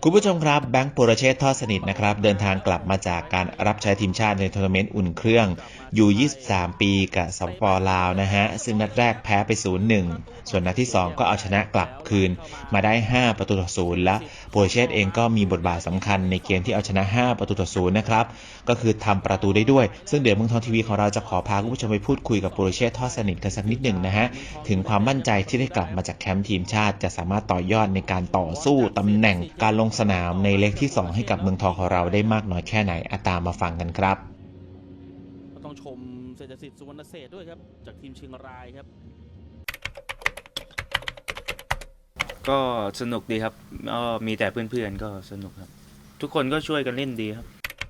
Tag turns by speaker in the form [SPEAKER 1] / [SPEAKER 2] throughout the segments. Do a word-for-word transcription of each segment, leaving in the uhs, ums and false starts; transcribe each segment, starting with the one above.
[SPEAKER 1] คุณผู้ชมครับแบงค์ปุรเชษฐ์ทอดสนิทนะครับเดินทางกลับมาจากการรับใช้ทีมชาติในทัวร์นาเมนต์อุ่นเครื่องยู ยี่สิบสาม ปีกับสปป.ลาวนะฮะซึ่งนัดแรกแพ้ไป ศูนย์หนึ่ง ส่วนนัดที่สองก็เอาชนะกลับคืนมาได้ห้าประตูต่อศูนย์และปุรเชษฐ์เองก็มีบทบาทสำคัญในเกมที่เอาชนะห้าประตูต่อศูนย์นะครับก็คือทำประตูได้ด้วยซึ่งเดี๋ยวเมืองทองทีวีของเราจะขอพาคุณผู้ชมไปพูดคุยกับปุรเชษฐ์ทอดสนิทกันสักนิดหนึ่งนะฮะถึงความมั่นใจที่ได้กลับมาจากแคมป์ทีมชาติจะสามารถต่อยอดในการต่อสู้ตำแหน่งการลงสนามในเล็กที่สองให้กับเมืองทองของเราได้มากน้อยแค่ไหนอาตามมาฟังกันครับ
[SPEAKER 2] ก็ต้องชมเศรษฐศิษย์สุวรรณเศรษฐ์ด้วยครับจากทีมเชียงรายครับ
[SPEAKER 3] ก็สนุกดีครับก็มีแต่เพื่อนๆก็สนุกครับทุกคนก็ช่วยกันเล่นดีครับ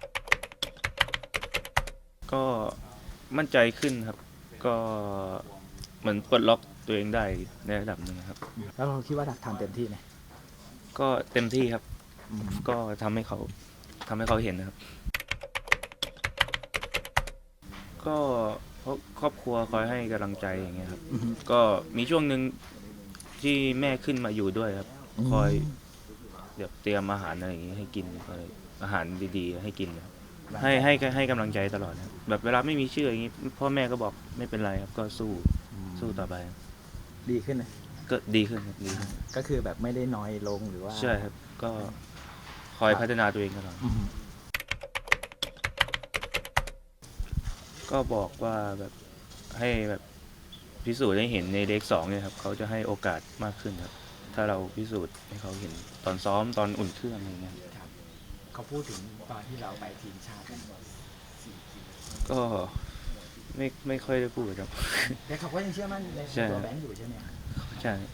[SPEAKER 3] ก็มั่นใจขึ้นครับก็เหมือนปลดล็อกตัวเองได้ในระดับหนึ่งครับ
[SPEAKER 4] แล้วเราคิดว่าทำเต็มที่ไหม
[SPEAKER 3] ก็เต็มที่ครับก็ทำให้เขาทำให้เขาเห็นนะครับก็เพราะครอบครัวคอยให้กำลังใจอย่างเงี้ยครับก็มีช่วงหนึ่งที่แม่ขึ้นมาอยู่ด้วยครับคอยเดี๋ยวเตรียมอาหารอะไรอย่างงี้ให้กินคอยอาหารดีๆให้กินให้ให้ให้กำลังใจตลอดครับแบบเวลาไม่มีชื่ออย่างงี้พ่อแม่ก็บอกไม่เป็นไรครับก็สู้สู้ต่อไป
[SPEAKER 4] ดีขึ้นนะ
[SPEAKER 3] ก็ดีขึ้นครับดีขึ้น
[SPEAKER 4] ก็คือแบบไม่ได้น้อยลงหรือว่า
[SPEAKER 3] ใช่ครับก็คอยพัฒนาตัวเองตลอดก็บอกว่าแบบให้แบบพิสูจน์ให้เห็นในเลขสองเนี่ยครับเขาจะให้โอกาสมากขึ้นครับถ้าเราพิสูจน์ให้เขาเห็นตอนซ้อมตอนอุ่นเครื่องอะไรเงี้ย
[SPEAKER 4] เขาพูดถึงตอนที่เราไปทีมชาติ
[SPEAKER 3] ก็ไม่ไม่ค่อยได้พูดครับ
[SPEAKER 4] แต่เขาก็ยังเชื่อมั่นในตัวแบงค์อยู่ใช่ไหม
[SPEAKER 3] ใช่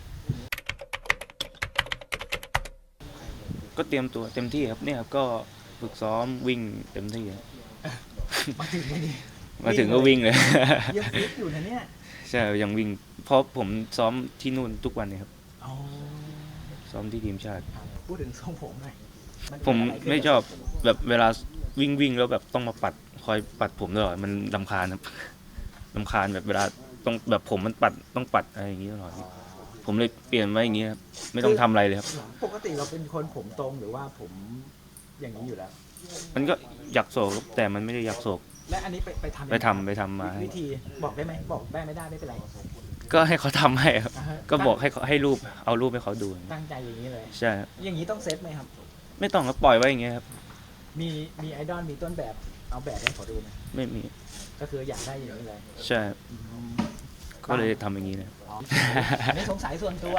[SPEAKER 3] ก็เตรียมตัวเต็มที่ครับเนี่ยก็ฝึกซ้อมวิ่งเต็มที่
[SPEAKER 4] มาถึงนี่
[SPEAKER 3] มาถึงก็วิ่งเลย
[SPEAKER 4] ยังฟิตอยู่นะเนี่ย
[SPEAKER 3] ใช่ยังวิ่งเพราะผมซ้อมที่นู่นทุกวันเลยครับซ้อมที่ทีมชาติ
[SPEAKER 4] พูดถึงทรงผมหน่อย
[SPEAKER 3] ผมไม่ชอบแบบเวลาวิ่งวิ่งแล้วแบบต้องมาปัดคอยปัดผมตลอดมันรำคาญครับรำคาญแบบเวลาต้องแบบผมมันปัดต้องปัดอะไรอย่างนี้ตลอดผมเลยเปลี่ยนไว้อย่างนี้ครับไม่ต้องทำอะไรเลยครับ
[SPEAKER 4] ปกติเราเป็นคนผมตรงหรือว่าผมอย่างนี้อยู่แล้ว
[SPEAKER 3] มันก็อยากโศกแต่มันไม่ได้อยากโศก
[SPEAKER 4] และอันนี้ไปไปทำ
[SPEAKER 3] ไปทำไปทำมา
[SPEAKER 4] วิธีบอกได้ไหมบอกได้ไม่ได้ไม่เป็นไร
[SPEAKER 3] ก็ให้เขาทำให้ครับก็บอกให้เขาให้รูปเอารูปให้เขาดู
[SPEAKER 4] ตั้งใจอย่างนี้เลย
[SPEAKER 3] ใช่
[SPEAKER 4] อย่างนี้ต้องเซตไหมครับ
[SPEAKER 3] ไม่ต้องก็ปล่อยไว้อย่างเงี้ยครับ
[SPEAKER 4] มีมีไอดอลมีต้นแบบเอาแบบให้เขาดูไหม
[SPEAKER 3] ไม่มี
[SPEAKER 4] ก็คืออยากได้อย่างนี้เลย
[SPEAKER 3] ใช่ก็เลยทำอย่างนี้นะ
[SPEAKER 4] อันนี้สงสัยส่วนตัว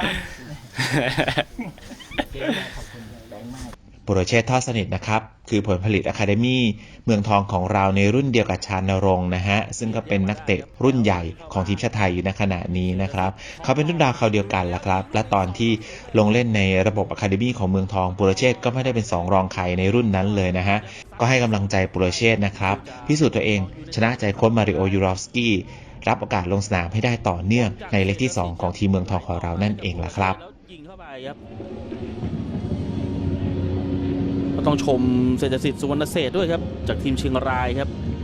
[SPEAKER 4] ขอบคุณแบงค์มาก
[SPEAKER 1] ปุรเชษฐ์ทอดสนิทนะครับคือผลผลิตอะคาเดมี่เมืองทองของเราในรุ่นเดียวกับชานรงค์นะฮะซึ่งก็เป็นนักเตะรุ่นใหญ่ของทีมชาติไทยอยู่ในขณะนี้นะครับเขาเป็นรุ่นดาวคราวเดียวกันละครับและตอนที่ลงเล่นในระบบอะคาเดมี่ของเมืองทองปุรเชษฐ์ก็ไม่ได้เป็นสองรองใครในรุ่นนั้นเลยนะฮะก็ให้กำลังใจปุรเชษฐ์นะครับพิสูจน์ตัวเองชนะใจโค้ชมาริโอยูรอฟสกี้รับโอกาสลงสนามให้ได้ต่อเนื่องในเล็กที่สองของทีมเมืองทองของเรานั่นเองล่ะครับ
[SPEAKER 2] ก็ต้องชมเศรษฐศิษย์สุวรรณเศรษฐ์ด้วยครับจากทีมเชียงรายครับ